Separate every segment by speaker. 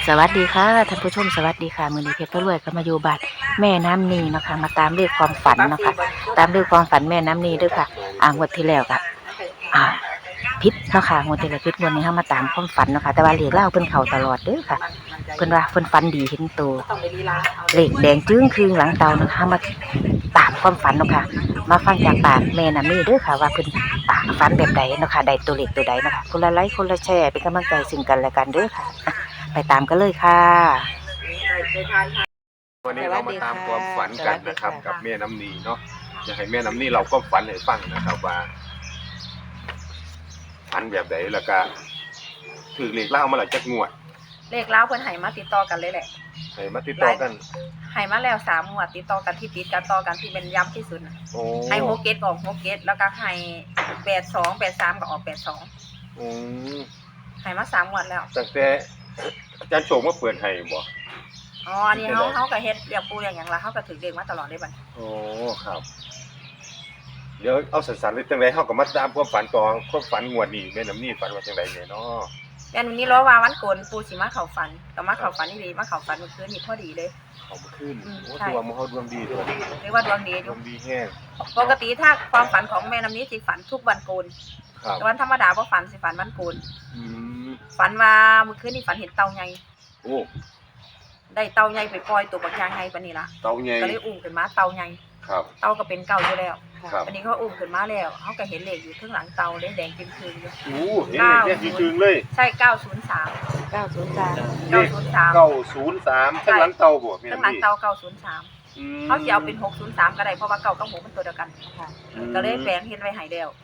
Speaker 1: สวัสดีค่ะท่านผู้ชมสวัสดีค่ะมือนี้เพชรพระรวยก็มาอยู่บ้านแม่น้ำนีเนาะค่ะมาตามเลขความฝันเนาะค่ะตามเลขความฝันแม่น้ำนีด้วยค่ะงวดที่แล้วก็พิษเนาะค่ะงวดที่แล้วพิษงวดนี้เฮามาตามความฝันเนาะค่ะแต่ว่าเลขเล่าเพิ่นเข้าตลอดเด้อค่ะเพิ่นว่าเพิ่นฝันดีเห็นโตเลขแดงจึ้งคืงหลังเตาเนาะค่ะมาตามความฝันเนาะค่ะมาฟังจากปากแม่น้ำนีเด้อค่ะว่าเพิ่นฝันแบบใดเนาะค่ะได้ตัวเลขตัวใดเนาะค่ะคนละไลค์คนละแชร์เป็นกำลังใจซึ่งกันและกันเด้อค่ะไปตามกันเลยค่ะ
Speaker 2: วันนี้เรามาตามความฝันกันนะครับกับแม่น้ำนีเนาะอยากให้แม่น้ำนีเราก็ฝันให้ฟังนะครับว่าฝันแบบไหนแล้วก็ถือเลขเล่ามาหลายจักงวด
Speaker 3: เลขเล้าเพิ่นให้มาติดต่อกันเลยแหละ
Speaker 2: ให้มาติดต่อกัน
Speaker 3: ให้มาแล้ว3งวดติดต่อกันที่ติดกันต่อกันที่เป็นย้ำที่สุดให้6เกตออก6เกตแล้วก็ให้82 83ก็ออก82ให้มา3งวดแล้ว
Speaker 2: ตั้งแต่อาจารย์โชคมาเปิดให้บ่
Speaker 3: อ๋ออันนี้เฮาก็เฮ็ดเรียกปูอย่างหยังล่ะเฮาก็ถือเลขมาตลอดเลยบัด
Speaker 2: โอ้ครับเดี๋ยวเอาสั้นๆเลยจังได๋เฮาก็มาตามความฝันต่อความฝันงวดนี้แม่น้ำนีฝันว่าจังได๋เนี่ยเนาะ
Speaker 3: แต่วันนี้รอว่าวันโกนปูสิมาเข้าฝันก็มาเข้าฝันดีมาเข้าฝันเมื่อคืนนี่พอดีเลย
Speaker 2: เข้ามาคืนโอ้ตัวมื้อเฮาดวงดีเด้อ
Speaker 3: เรียกว่าดวงดีอยู่
Speaker 2: ดวงดีแฮง
Speaker 3: ปกติถ้าความฝันของแม่น้ำนี้สิฝันทุกวันโกน
Speaker 2: ครับ
Speaker 3: วันธรรมดาบ่ฝันสิฝันวันโกนฝันว่าเมื่อคืนนี่ฝันเห็นเต่าใหญ่
Speaker 2: โอ้
Speaker 3: ได้เต่าใหญ่ไปปล่อยตัวบักยางใหญ่ปานนี้ล่ะ
Speaker 2: เต่าใหญ่
Speaker 3: ก็เลยอุ้มขึ้นมาเต่าใหญ่
Speaker 2: ครับ
Speaker 3: เต่าก็เป็นเก่าอยู่แล้ว
Speaker 2: ครับ
Speaker 3: วันนี้เขาอุ้มขึ้นมาแล้วเขาก็เห็นเลขอยู่ข้างหลังเต่าเลขแดงจึงคืนอยู่
Speaker 2: โอ้เห็นเลขจริงๆเลย
Speaker 3: ใช่903
Speaker 1: 903
Speaker 2: 903ข้างหลังเต่าบ่แม่
Speaker 3: ข้างหลังเต่า903เขาสิเอาเป็น603ก็ได้เพราะว่าเก่ากับ6มันตัวเดียวกันค่ะก็เลยแปลงเฮ็ดไว้ให้แล้ว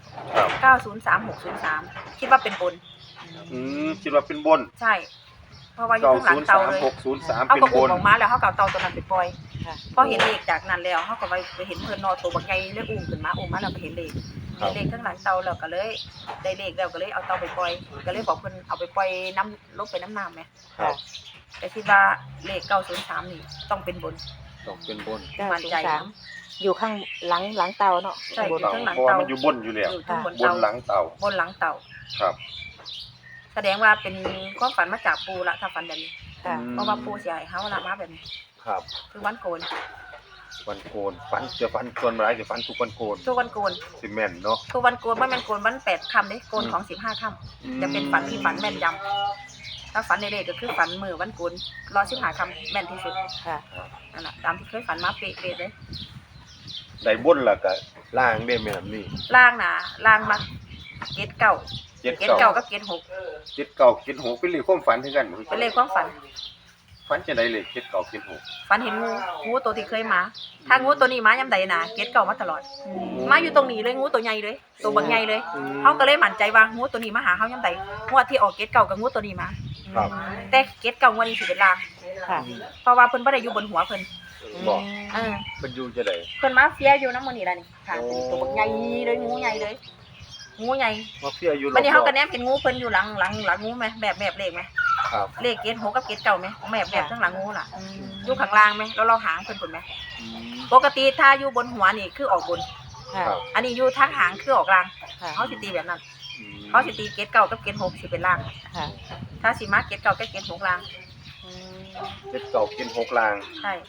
Speaker 3: 903 603คิดว่าเป็นบน
Speaker 2: คิดว่าเป็นบน
Speaker 3: ใช่เพราะว่าอยู่ข้างหลังเตาเลย
Speaker 2: 603
Speaker 3: เขาก็อุ้มออกมาแล้วเขาก็เอาเตาตัวนั้นไปปล่อยพอเห็นเลขจากนั้นแล้วเขาก็ไปเห็นเพิ่นนอตัวบักใหญ่เลยอุ้มขึ้นมาแล้วก็เห็นเลขข้างหลังเตาแล้วก็เลยได้เลขแล้วก็เลยเอาเตาไปปล่อยก็เลยบอกเพิ่นเอาไปปล่อยน้ำลงไปน้ำน้ำไหมแต่คิดว่าเลข903นี่ต้องเป็นบน
Speaker 2: ต้องเป็นบน
Speaker 3: มั่นใจ
Speaker 1: อยู่ข้างหลังเตาเนาะ
Speaker 3: ใช่อยู่ข้างหลัง
Speaker 2: เตาเพราะว่า
Speaker 3: มั
Speaker 2: นอยู่บนอยู่แล้วบนหลังเตาครับ
Speaker 3: แสดงว่าเป็นความฝันมาจากปูละถ้าฝันแบบนี้เพราะว่าปูเสียให้เขาละมาแบบนี้
Speaker 2: ครับ
Speaker 3: คือวันโกน
Speaker 2: ฝันจะฝันส่วนร้ายจะฝันทุกวันโกน
Speaker 3: ทุกวันโกน
Speaker 2: สิแม่นเนาะ
Speaker 3: ทุกวันโกนว่าแม่นโกนวัน8ค่ำเด้โกนของ15ค่ำจะเป็นฝันที่ฝันแม่นยำถ้าฝันในเลขก็คือฝันมือวันโกนรอ15ค่ำแม่นที่สุด
Speaker 1: ค่ะ
Speaker 3: นั่นแหละตามที่เคยฝันมาเป๊ะๆเลย
Speaker 2: ได้บนล่ะก็ล่างได้แม่นนี่
Speaker 3: ล่างน่ะล่างมาเกตเก้ากับเกต6
Speaker 2: เป็นเลขความฝันคือกัน
Speaker 3: เป็นเลขความฝัน
Speaker 2: จะได้เลขเกต6
Speaker 3: ฝันเห็นงูตัวที่เคยมาถ้างูตัวนี้มายามใดน่ะเกต9มาตลอดมาอยู่ตรงนี้เลยงูตัวใหญ่เลยตัวบักใหญ่เลยเฮาก็เลยมั่นใจว่างูตัวนี้มาหาเฮายามใดงวดที่ออกเกต9กับงูตัวนี้มาแต่เกต9งวดนี้สิเป็นลางเพราะว่าเพิ่นบ่ได้อยู่บนหัวเพิ่น
Speaker 2: บ่เพิ่นอยู่จะได้
Speaker 3: เพิ่นมาเฟียอยู่นำมื้อนี้ล่ะนี่ค่ะเป็นตัวบักใหญ่เลยงูใหญ่เลยงูใหญ่
Speaker 2: มาเฟียอยู่
Speaker 3: วันนี้เฮาก็แนมเห็นงูเพิ่นอยู่หลังงูมั้ยแบบเลขมั้ย
Speaker 2: ครับ
Speaker 3: เลขเกต6กับเกต9มั้ยแบบข้างหลังงูล่ะอยู่ข้างล่างมั้ยแล้วเราหางเพิ่นพุ่นมั้ยปกติถ้าอยู่บนหัวนี่คือออกบนอันนี้อยู่ทางหางคือออกล่างเฮาสิตีแบบนั้นเฮาสิตีเกต9กับเกต6สิเป็นล่างถ้าสิมาเกต9กับเกต6ล่าง
Speaker 2: เกต9เกต6ล่าง
Speaker 3: ใช่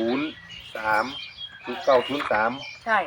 Speaker 2: 03
Speaker 3: ใช่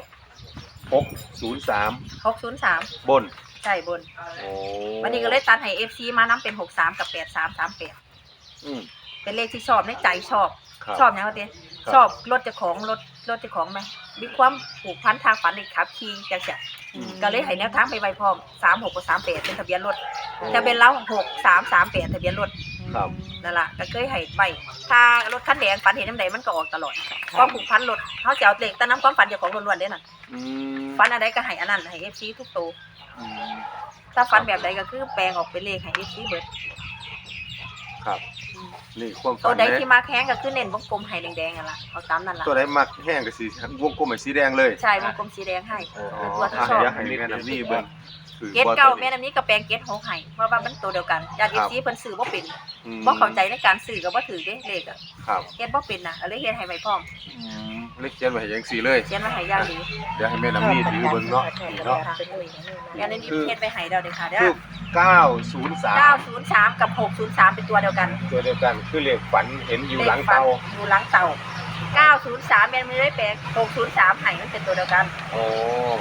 Speaker 2: 603บน
Speaker 3: ใช่บนวันนี้ก็เลยตัดให้ FC มานํเป็น63กับ8338เป็นเลขที่ชอบในใจชอบหยังว่าติชอบรถเจ้าของรถเจ้าของมั้ยมีความผูกพันทางฝันนี่ขับขี่จังซี่ก็เลยให้แนวทางไปไว้พร้อม36กับ38เป็นทะเบียนรถทะเบียนเรา6338ทะเบียนรถ
Speaker 2: ครับ
Speaker 3: นั่นล่ะก็เคยให้ไว้ถ้ารถคันแดงฝันเห็นจังได๋มันก็ออกตลอดความผูกพันรถเฮาสิเอาเลขแต่นำความฝันเจ้าของล้วนๆเด้นั่นฝันอันใดก็ให้อันนั้นให้ FC ทุกตัวถ้าฝันแบบใดก็คือแปลงออกเป็นเลขให้ FC เบิด
Speaker 2: ครับนี่ความฝัน
Speaker 3: ตัวใดที่มาแข้งก็คือเน้นวงกลมให้แดงๆนั่นล่ะเอาตามนั่นล่ะ
Speaker 2: ตัวใดมักแห้งก็สิวงกลมให้สีแดงเลย
Speaker 3: ใช่วงกลมสีแดงให้คือตัวที่ชอบ
Speaker 2: ให้แม่น้ำนี่เบิ่ง
Speaker 3: เกต9แม่น้ำนี้ก็แปลงเกต6ให้เพราะว่ามันตัวเดียวกันญาติ FC เพิ่นซื้อบ่เป็นบ่เข้าใจในการซื้อก็บ่ถือเด้เลขอ่ะ
Speaker 2: ครับ
Speaker 3: เฮ็ดบ่เป็นน่ะเลยเฮ็ดให้ไว้พร้อม
Speaker 2: เลขเขียนไว้ให้จังซี่เลย
Speaker 3: เขียนไว้ให้อย่างดี
Speaker 2: เดี๋ยวให้แม่น้ำนี่ถือเบิ่งเนาะ
Speaker 3: แล้วในนี้เฮ็ดไว้ให้แล้วเด้อค่ะเด้อ
Speaker 2: 903
Speaker 3: 903กับ603เป็นตัวเดียวกัน
Speaker 2: ตัวเดียวกันคือเลขฝันเห็นอยู่หลังเตา
Speaker 3: อยู่หลังเตา903แม่นไม่ได้แปลง603ให้มันเป็นตัวเดียวกัน
Speaker 2: โอ้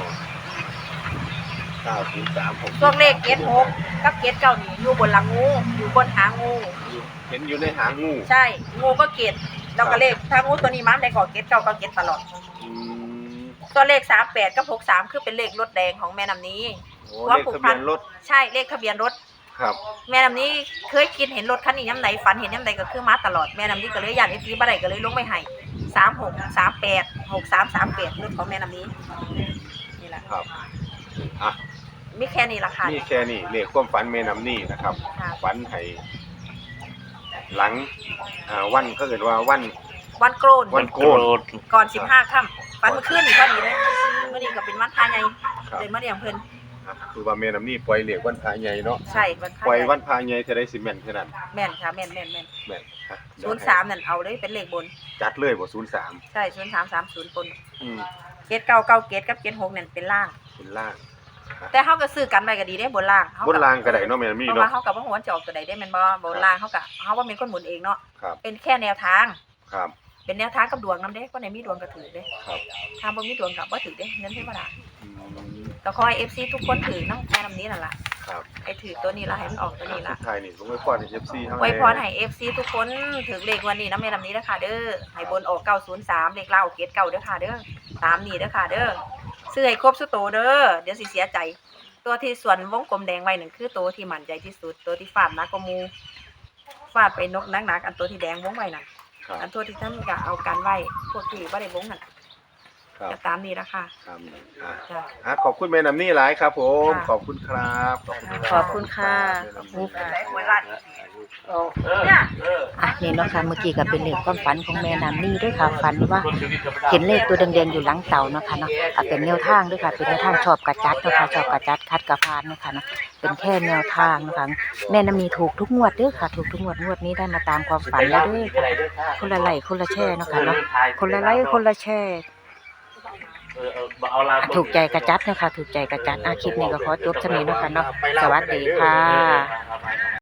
Speaker 2: 903ผม
Speaker 3: ช่วงเลขเกต6กับเกต9นี่อยู่บนหลังงูอยู่บนหางงู
Speaker 2: เห็นอยู่ในหางงู
Speaker 3: ใช่งูก็เกตแล้วก็เลขถ้างูตัวนี้มาได้ก่อเกต9ก็เกตตลอด
Speaker 2: อืม
Speaker 3: ตัวเลข38กับ63คือเป็นเลขรถแดงของแม่น้ำนี้
Speaker 2: โอ้เลขทะเบียนรถ
Speaker 3: ใช่เลขทะเบียนรถ
Speaker 2: ครับ
Speaker 3: แม่น้ำนี้เคยคิดเห็นรถคันนี้ย่ำไหนฝันเห็นย่ำไหนก็คือมาตลอดแม่น้ำนี้ก็เลยยันFTบ่ได้ก็เลยลงไม่ให้36 38 63 38รถของแม่น้ำนี้นี่แหละ
Speaker 2: ครับอ่ะ
Speaker 3: มีแค่นี้ราคา
Speaker 2: นี่แค่นี้เลขความฝันแม่น้ำนี่นะครับ
Speaker 3: ค่ะ
Speaker 2: ฝันให้หลังวันเขาเกิดว่าวัน
Speaker 3: วันโกน
Speaker 2: วันโกน
Speaker 3: ก่อน15ค่ำฝันเมื่อคืนนี่ก็ดีเลยเมื่อนี้ก็เป็นวันพาใหญ่
Speaker 2: ครับ
Speaker 3: เลยมาเลี้ยงเพิ่น
Speaker 2: อ่ะคือว่าแม่น้ำนี่ปล่อยเลขวันพระใหญ่เนาะ
Speaker 3: ใช่วันพา
Speaker 2: ปล่อย
Speaker 3: ใหญ่
Speaker 2: วันพระใหญ่จะได้สิแม่นแค่นั้น
Speaker 3: แม่นค่ะแม่น
Speaker 2: แม่นฮะ
Speaker 3: 03นั่นเอาเลยเป็นเลขบน
Speaker 2: จัดเลยบ่03
Speaker 3: ใช่0330ปน
Speaker 2: อืม
Speaker 3: เกต9 9เกตกับเกต6นั่นเป็นล่าง
Speaker 2: เป็นล่าง
Speaker 3: แต่เฮาก็ซื้อกันไว้ก็ดีเด้บนล่างเฮา
Speaker 2: บนล่างก็ได้เนาะแม่น้ำ
Speaker 3: เพ
Speaker 2: นี่
Speaker 3: ราะ
Speaker 2: เนาะ
Speaker 3: ว่าเฮากับว่าหัวจะออกตัวใดได้แม่นบ่บนล่างเฮาก็เฮาว่าเป็นคนหมุนเองเนาะ
Speaker 2: ครับ
Speaker 3: เป็นแค่แนวทาง
Speaker 2: ครับ
Speaker 3: เป็นแนวทางกับดวงนำเด้คนไหนมีดวงก็ถือเด้
Speaker 2: ครับ
Speaker 3: ถ้าบ่มีดวงก็บ่ถือเด้เงินเทวดา
Speaker 2: อืม
Speaker 3: ก็ขอให้ FC ทุกคนถือนำแค่นำนี้นั่นล่ะ
Speaker 2: ครับ
Speaker 3: ให้ถือตัวนี้ล่ะให้มันออกตัวนี้ล่ะ
Speaker 2: สุดท้ายนี่ผมไว้พรให้ FC เฮา
Speaker 3: ไว้พรให้ FC ทุกคนถือเลขวันนี้นำแม่นำนี้เด้อค่ะเด้อให้บนออก903เลขล่างออกเกต9เด้อค่ะเด้อตามนี้เด้อค่ะเด้อซื้อให้ครบสุดโตเด้อเดี๋ยวสิเสียใจ ตัวที่ส่วนวงกลมแดงไว้นั่นคือตัวที่มั่นใจที่สุดตัวที่ฟาดหนักกว่าหมู่ฟาดไปนกหนักๆอันตัวที่แดงวงไว้นั่น
Speaker 2: ครับ
Speaker 3: อันตัวที่ท่านก็เอากันไว้พวกที่บ่ได้วงนั่น
Speaker 2: ครับ
Speaker 3: ก็ตามนี้ละค่ะ
Speaker 2: ครับ
Speaker 3: จ้ะ
Speaker 2: ขอบคุณแม่น้ำนี่หลายครับผม
Speaker 3: ค่ะ
Speaker 2: ขอบคุณครับขอบคุณ
Speaker 1: ขอบคุณค่ะ
Speaker 3: เนี่ย
Speaker 1: อ่ะนี่เนาะค่ะเมื่อกี้ก็เป็นเลขความฝันของแม่น้ำนี่ด้วยค่ะฝันว่าเห็นเลขตัวแดงๆอยู่หลังเต่าเนาะค่ะเนาะเป็นแนวทางด้วยค่ะเป็นแนวทางชอบกระจัดเนาะค่ะชอบกระจัดคัดกระพานเนาะค่ะเนาะเป็นแค่แนวทางเนาะคะแม่น้ำนี่ถูกทุกงวดเด้อค่ะ ถูกทุกงวดนี้ได้มาตามความฝันแล้วเด้อค่ะคนละไลค์คนละแชร์เนาะค่ะเนาะคนละไลค์คนละแชร์ถูกใจกระจัดเนาะค่ะถูกใจกระจัดคลิปนี้ก็ขอจบเท่านี้เนาะค่ะเนาะสวัสดีค่ะ